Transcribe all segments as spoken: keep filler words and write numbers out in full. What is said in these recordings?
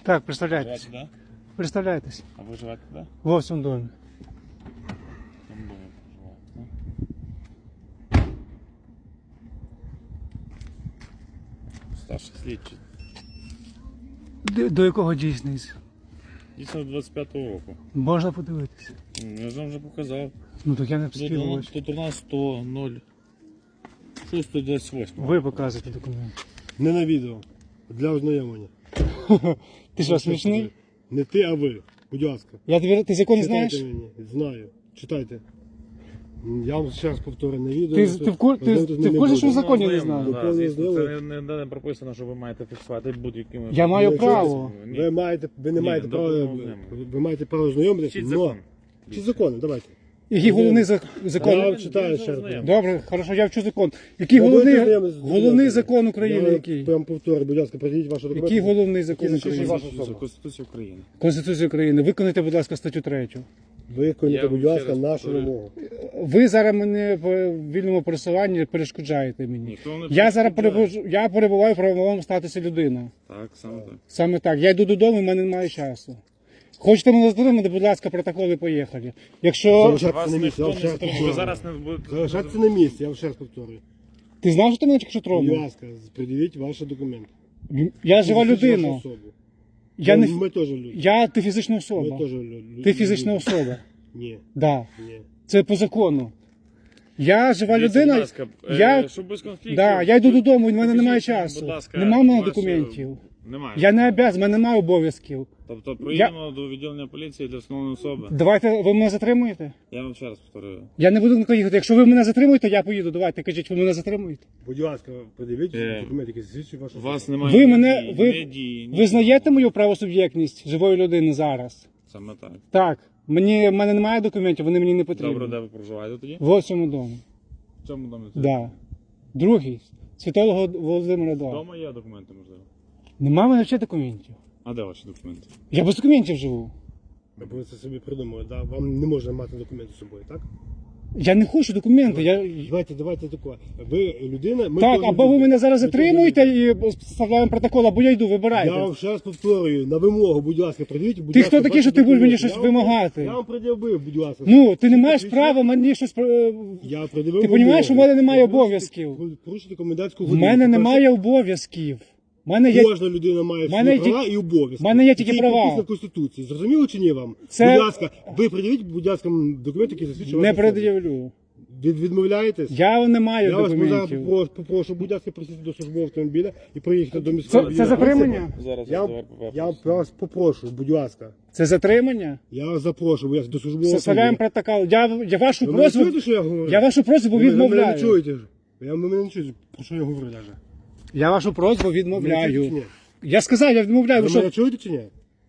Так, представляйтесь. Живете, да? Представляйтесь. А ви живете, да? В цьому домі. В тому домі проживаєте, да? Старший слідчий. До, до якого дійсність? Дійсно двадцять п'ятого року. Можна подивитися. Я ж вам вже показав. Ну так я не Тут у спілкуюсь. нас- Тут у нас сто ноль шість двадцять вісім. Ви показуєте документ. Не на відео. Для ознайомлення. Ти що, смішний? Не ти, а ви. Будь ласка. Я тобі, ти закон не знаєш? Читайте мені. Знаю. Читайте. Я вам ще раз повторю на відео. Ти, ти, в кур- ти, ти в курсі, що в законі не знаю? Законно Це знаю. не, не, не прописано, що ви маєте фіксувати будь-якими. Я маю Якщо право. Ні. Ви маєте, ви не Ні, маєте до права, повного знайомого. ви маєте право знайомитися. Вчіть но- закон. Вчіть закони, давайте. Який головний зак- Я закон? вам читаю ще раз. Добре, хорошо, я вчу закон. Який Ви головний, будете знайомитися з головний документами? закон України Я який? прям повторю, будь ласка, придіть ваші документи. Який головний закон Який захищає України? вашу особу? Конституція України. Конституція України. Виконайте, будь ласка, статтю третю. Виконуйте, Я будь вам ласка, ще раз нашу повторю. вимогу. Ви зараз мене по вільному пересуванні перешкоджаєте мені. Ніхто не Я зараз перешкоджає. перебуж- я перебуваю в правовому статусі людина. Так, саме так. Саме так. Я йду додому, в мене немає часу. Хочете мене затримати, будь ласка, протоколи, поїхали. Якщо Залишайтеся Вас на місці, ніхто я не вам ще раз затримує. Ви повторюю. зараз не будете. Залишайтеся на місці, я вам ще раз повторюю. ти знав, що ти мене тільки що Будь тронув? ласка, придивіть ваші документи. Я жива Фізичну людина. особу. Я не Ми теж люди. я ти фізична Ми особа. теж люди. Ти фізична особа. Ні, Да. ні. Це по закону. Я жива Дивіться, людина. будь ласка, е, Я, щоб без конфліктів. да, я йду додому, в мене немає покажіть мені, часу. будь ласка, Нема в мене ваші- документів. Немає. Я не обов'язаний, в мене немає обов'язків. Тобто приїдемо до відділення поліції для встановлення особи. Давайте, ви мене затримуєте? Я вам ще раз повторюю. Я не буду ніколи їхати. Якщо ви мене затримуєте, я поїду. Давайте, кажіть, ви мене затримуєте? Будь ласка, придивіть Е, документи, які засвідчують вашу У особу. вас немає Ви ні мене, дії, ви, ні дії, ні ви знаєте мою правосуб'єктність живої людини зараз? Саме так. Так. Мені, в мене немає документів, вони мені не потрібні. Добре, де ви проживаєте тоді? В цьому домі. В цьому домі? Да. Другий. Святого Володимира два. Вдома є документи, можливо. Нема в мене ще документів. А де ваші документи? Я без документів живу. Ви це собі придумали, да? Вам не можна мати документи з собою, так? Я не хочу документи. Я... Давайте, давайте таке. Ви людина, ми Так, теж або ви люди. мене зараз Ми теж затримуєте люди. і вставляємо протокол, або я йду, вибирайте. Я вам ще раз повторюю, на вимогу, будь ласка, придивіть, будь Ти ласка, хто такий, ваші що ти будеш мені документи. щось Я вам- вимагати? Я вам пред'явив, будь ласка. Ну, ти не маєш Посвідчення. права мені щось... е, Я пред'явив Ти вимогу. розумієш, що в мене немає Ви порушите- обов'язків? ви Порушите комендантську В годину. мене По-перше, немає обов'язків. В мене є... Кожна людина має мене свої є- права і обов'язки. в мене є тільки Які права. прописані в Конституції. Зрозуміло чи ні вам? Це- Будь ласка, ви пред'явіть, будь ласка, документи, які засвідчують Не вашу особу. пред'явлю. Від, відмовляєтесь? Я не маю Я вас зараз документів. попрошу, попрошу, будь ласка, присісти до службового автомобіля і проїхати до Це, міського. це затримання? Зараз Я, я вас попрошу, будь ласка. Це затримання? Я вас запрошую, будь ласка, до службового Составляємо автомобіля. протокол. Я, я вашу Ви мене просьбу... чуєте, що я говорю? Я вашу просьбу Ви мене- Ви мене не відмовляю. чуєте ж? Я, ви мене не чуєте, про що я говорю навіть. Я вашу просьбу Ви мене чуєте чи відмовляю. ні? Я сказав, я відмовляю. Ви Ви що? мене чуєте чи ні?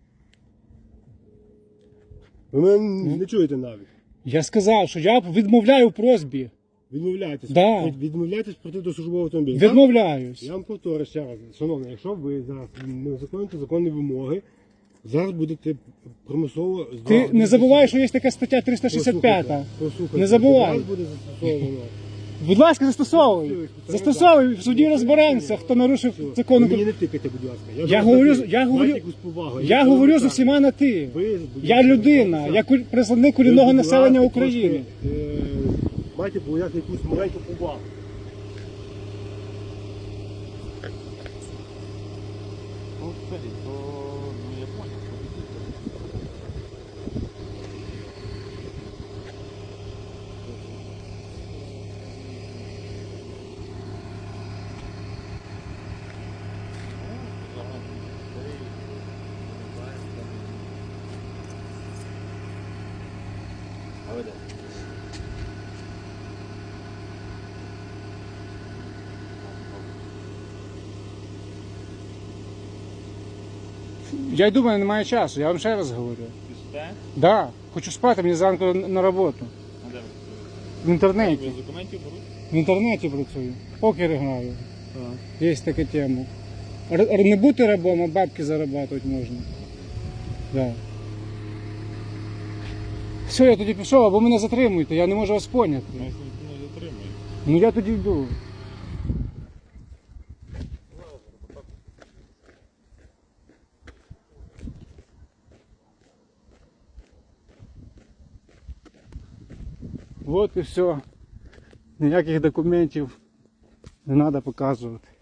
Ви мене не чуєте навіть. Я сказав, що я відмовляю в просьбі. Відмовляєтесь. Да. Від- Відмовляєтесь прийти до службового автомобіля. так? Відмовляюсь. Я вам повторю ще раз. Шановний, якщо ви зараз не виконуєте законні вимоги, зараз будете примусово... Ти не забувай, що є така стаття триста шістдесят п'ять. Послухайте, послухайте. Не забувай. Зараз буде застосовано. Будь ласка, застосовуй. Застосовуй, в суді розберемося, хто нарушив закон. Ви мені не тикайте, будь ласка. Я зараз говорю, запитую. я говорю, Майте якусь повагу. я Якщо говорю ви з так, усіма на ти. ви, будь Я ласка, людина, звертайтеся. я куль- представник Ви, корінного будь населення ласка, України. трошки, е, Майте проявляти якусь маленьку повагу. Ну, скажіть, то ну, я понял. А ви де? Я йду, в мене немає часу, я вам ще раз говорю. Піште? Да, хочу спати, мені зранку на роботу. А де ви? В інтернеті. Ви з документів беруть? В інтернеті працюю. Покер граю. Є така тема. Р- р- не бути рабом, а бабки зарабатувати можна. Да. Все, я тоді пішов, або мене затримуєте, я не можу вас поняти. Нас ніхто не затримує. Ну я тоді йду. От і все. Ніяких документів не треба показувати.